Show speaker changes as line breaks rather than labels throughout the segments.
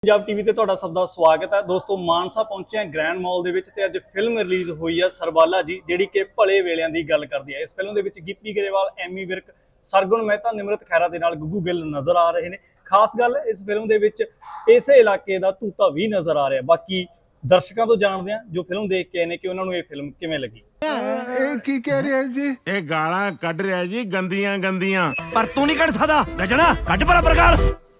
Punjab TV ਤੇ ਤੁਹਾਡਾ ਸਭ ਦਾ ਸਵਾਗਤ ਹੈ ਦੋਸਤੋ। ਮਾਨਸਾ ਪਹੁੰਚੇ ਹਾਂ ਗ੍ਰੈਂਡ ਮਾਲ ਦੇ ਵਿੱਚ ਤੇ ਅੱਜ ਫਿਲਮ ਰਿਲੀਜ਼ ਹੋਈ ਹੈ ਸਰਬਾਲਾ ਜੀ, ਜਿਹੜੀ ਕਿ ਭਲੇ ਵੇਲਿਆਂ ਦੀ ਗੱਲ ਕਰਦੀ ਹੈ। ਇਸ ਫਿਲਮ ਦੇ ਵਿੱਚ ਗਿੱਪੀ ਗਰੇਵਾਲ, ਐਮੀ ਵਿਰਕ, ਸਰਗੁਣ ਮਹਿਤਾ, ਨਿਮਰਤ ਖੈਰਾ ਦੇ ਨਾਲ ਗੁੱਗੂ ਗਿੱਲ ਨਜ਼ਰ ਆ ਰਹੇ ਨੇ। ਖਾਸ ਗੱਲ ਇਸ ਫਿਲਮ ਦੇ ਵਿੱਚ ਇਸੇ ਇਲਾਕੇ ਦਾ ਤੂਤਾ ਵੀ ਨਜ਼ਰ ਆ ਰਿਹਾ। ਬਾਕੀ ਦਰਸ਼ਕਾਂ ਤੋਂ ਜਾਣਦੇ ਹਾਂ ਜੋ ਫਿਲਮ ਦੇਖ ਕੇ ਆਏ ਨੇ ਕਿ ਉਹਨਾਂ ਨੂੰ ਇਹ ਫਿਲਮ ਕਿਵੇਂ ਲੱਗੀ।
ਇਹ ਕੀ ਕਹਿ ਰਿਹਾ ਜੀ?
ਇਹ ਗਾਲਾਂ ਕੱਢ ਰਿਹਾ ਜੀ ਗੰਦੀਆਂ ਗੰਦੀਆਂ, ਪਰ ਤੂੰ ਨਹੀਂ ਕੱਢ ਸਕਦਾ ਗਜਣਾ। ਕੱਢ ਬਰਾਬਰ ਗਾਲ।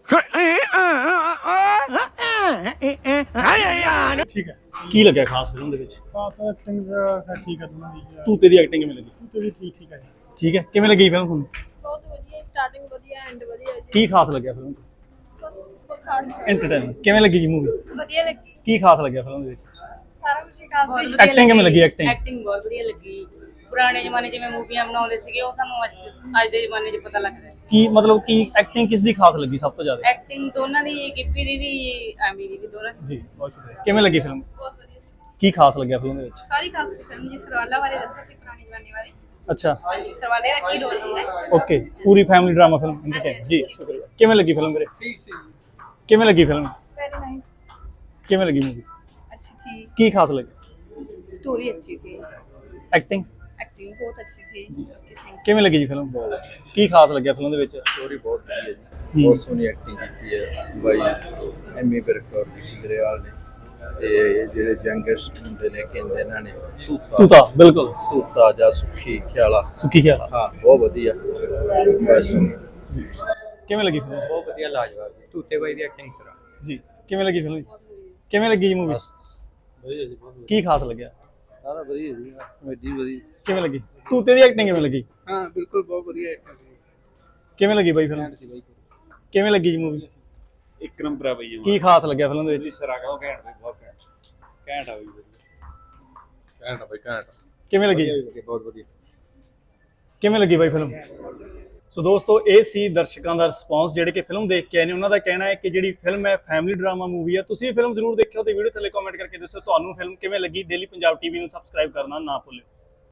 ਠੀਕ ਹੈ, ਕੀ ਲੱਗਿਆ ਖਾਸ ਫਿਲਮ ਦੇ ਵਿੱਚ?
ਖਾਸ ਐਕਟਿੰਗ ਠੀਕ ਹੈ ਦੋਨਾਂ ਦੀ।
ਤੂਤੇ ਦੀ ਐਕਟਿੰਗ ਕਿਵੇਂ ਲੱਗੀ?
ਤੂਤੇ ਵੀ ਠੀਕ ਹੈ।
ਠੀਕ ਹੈ, ਕਿਵੇਂ ਲੱਗੀ ਫਿਲਮ ਤੁਹਾਨੂੰ?
ਬਹੁਤ ਵਧੀਆ, ਸਟਾਰਟਿੰਗ ਵਧੀਆ, ਐਂਡ ਵਧੀਆ ਜੀ।
ਕੀ ਖਾਸ ਲੱਗਿਆ ਫਿਲਮ 'ਚ?
ਬਸ ਖਾਸ
ਐਂਟਰਟੇਨਮੈਂਟ ਕਿਵੇਂ ਲੱਗੀ ਜੀ ਮੂਵੀ?
ਵਧੀਆ ਲੱਗੀ,
ਕੀ ਖਾਸ ਲੱਗਿਆ ਫਿਲਮ ਦੇ ਵਿੱਚ?
ਸਾਰਾ ਕੁਝ ਖਾਸ ਸੀ।
ਐਕਟਿੰਗ ਕਿਵੇਂ ਲੱਗੀ?
ਐਕਟਿੰਗ ਬਹੁਤ ਵਧੀਆ ਲੱਗੀ। ਪੁਰਾਣੇ ਜ਼ਮਾਨੇ ਜਿਵੇਂ ਮੂਵੀਆਂ ਬਣਾਉਂਦੇ ਸੀਗੇ ਉਹ ਸਾਨੂੰ ਅੱਜ ਦੇ ਜ਼ਮਾਨੇ 'ਚ ਪਤਾ ਲੱਗਦਾ ਹੈ।
ਕੀ ਮਤਲਬ ਕੀ ਐਕਟਿੰਗ ਕਿਸ ਦੀ ਖਾਸ ਲੱਗੀ ਸਭ ਤੋਂ ਜ਼ਿਆਦਾ?
ਐਕਟਿੰਗ ਦੋਨਾਂ ਦੀ, ਗਿੱਪੀ ਦੀ ਵੀ ਐਮੀ ਦੀ ਵੀ, ਦੋਨਾਂ ਦੀ।
ਜੀ ਬਹੁਤ ਸ਼ੁਕਰੀਆ। ਕਿਵੇਂ ਲੱਗੀ ਫਿਲਮ?
ਬਹੁਤ ਵਧੀਆ ਸੀ,
ਕੀ ਖਾਸ ਲੱਗਿਆ ਫਿਲਮ ਦੇ ਵਿੱਚ?
ਸਾਰੀ ਖਾਸ ਸੀ ਫਿਲਮ ਜੀ। ਸਰਵਾਲਾ ਬਾਰੇ ਦੱਸਿਆ ਸੀ, ਪੁਰਾਣੇ ਜ਼ਮਾਨੇ ਬਾਰੇ।
ਅੱਛਾ,
ਹਾਂਜੀ, ਸਰਵਾਲੇ ਦਾ ਕੀ ਰੋਲ ਹੁੰਦਾ ਹੈ।
ਓਕੇ, ਪੂਰੀ ਫੈਮਿਲੀ ਡਰਾਮਾ ਫਿਲਮ ਐਂਟਰਟੇਨ। ਜੀ ਸ਼ੁਕਰੀਆ। ਕਿਵੇਂ ਲੱਗੀ ਫਿਲਮ ਵੀਰੇ? ਠੀਕ ਸੀ। ਕਿਵੇਂ ਲੱਗੀ ਫਿਲਮ?
ਵੈਰੀ ਨਾਈਸ,
ਕਿਵੇਂ ਲੱਗੀ ਮੂਵੀ?
ਅੱਛੀ ਥੀ,
ਕੀ ਖਾਸ ਲੱਗਿਆ?
स्टोरी अच्छी थी,
ਐਕਟਿੰਗ
एक्टिंग बहुत अच्छी थी। Okay, thank you।
ਕਿਵੇਂ ਲੱਗੀ ਜੀ ਫਿਲਮ? ਕੀ ਖਾਸ ਲੱਗਿਆ ਫਿਲਮ ਦੇ ਵਿੱਚ?
ਸਟੋਰੀ ਬਹੁਤ ਵਧੀਆ ਜੀ, ਬਹੁਤ ਸੋਹਣੀ ਐਕਟਿੰਗ ਕੀਤੀ ਹੈ ਬਾਈ ਐਮੀ ਵਿਰਕ ਔਰ ਗਿੱਪੀ ਗਰੇਵਾਲ ਨੇ। ਤੇ ਜਿਹੜੇ ਯੰਗੈਸਟ ਮੁੰਡੇ ਨੇ ਕਹਿੰਦੇ ਇਹਨਾਂ ਨੇ
ਤੂਤਾ, ਬਿਲਕੁਲ
ਤੂਤਾ ਜਾਂ ਸੁੱਖੀ ਖਿਆਲਾ।
ਸੁੱਖੀ ਖਿਆਲ।
ਹਾਂ, ਬਹੁਤ ਵਧੀਆ। ਬਸ
ਕਿਵੇਂ ਲੱਗੀ ਫਿਲਮ?
ਬਹੁਤ ਵਧੀਆ, ਲਾਜਵਾਬ ਜੀ। ਤੂਤੇ ਬਾਈ ਦੀ ਐਕਟਿੰਗ ਸਰਾ
ਜੀ ਕਿਵੇਂ ਲੱਗੀ ਫਿਲਮ? ਕਿਵੇਂ ਲੱਗੀ ਜੀ ਮੂਵੀ?
ਵਧੀਆ ਜੀ, ਬਹੁਤ
ਕੀ ਖਾਸ ਲੱਗਿਆ?
ਸਾਰਾ ਵਧੀਆ ਜੀ, ਕਮੇਡੀ ਵਧੀਆ।
ਕਿਵੇਂ ਲੱਗੀ? ਤੂਤੇ ਦੀ ਐਕਟਿੰਗ ਕਿਵੇਂ ਲੱਗੀ?
ਹਾਂ ਬਿਲਕੁਲ, ਬਹੁਤ ਵਧੀਆ ਐਕਟਿੰਗ ਸੀ।
ਕਿਵੇਂ ਲੱਗੀ ਬਾਈ ਫਿਲਮ?
ਸੀ ਬਾਈ,
ਕਿਵੇਂ ਲੱਗੀ ਜੀ ਮੂਵੀ?
ਇੱਕ ਨੰਬਰ ਆ ਬਾਈ।
ਕੀ ਖਾਸ ਲੱਗਿਆ ਫਿਲਮ ਦੇ ਵਿੱਚ?
ਸਰਾ ਕਹੋ ਘੈਂਟ ਬਾਈ, ਬਹੁਤ ਘੈਂਟ। ਘੈਂਟ ਆ ਬਾਈ, ਘੈਂਟ ਆ ਬਾਈ, ਘੈਂਟ।
ਕਿਵੇਂ ਲੱਗੀ?
ਬਹੁਤ ਵਧੀਆ।
ਕਿਵੇਂ ਲੱਗੀ ਬਾਈ ਫਿਲਮ? ਸੋ ਦੋਸਤੋ, ਇਹ ਸੀ ਦਰਸ਼ਕਾਂ ਦਾ ਰਿਸਪੌਂਸ ਜਿਹੜੇ ਕਿ ਫਿਲਮ ਦੇਖ ਕੇ ਆਏ ਨੇ। ਉਹਨਾਂ ਦਾ ਕਹਿਣਾ ਹੈ ਕਿ ਜਿਹੜੀ ਫਿਲਮ ਹੈ ਫੈਮਿਲੀ ਡਰਾਮਾ ਮੂਵੀ ਹੈ। ਤੁਸੀਂ ਫਿਲਮ ਜ਼ਰੂਰ ਦੇਖਿਓ ਤੇ ਵੀਡੀਓ ਥੱਲੇ ਕਮੈਂਟ ਕਰਕੇ ਦੱਸੋ ਤੁਹਾਨੂੰ ਫਿਲਮ ਕਿਵੇਂ ਲੱਗੀ। ਡੇਲੀ ਪੰਜਾਬ ਟੀਵੀ ਨੂੰ ਸਬਸਕ੍ਰਾਈਬ ਕਰਨਾ ਨਾ ਭੁੱਲਿਓ।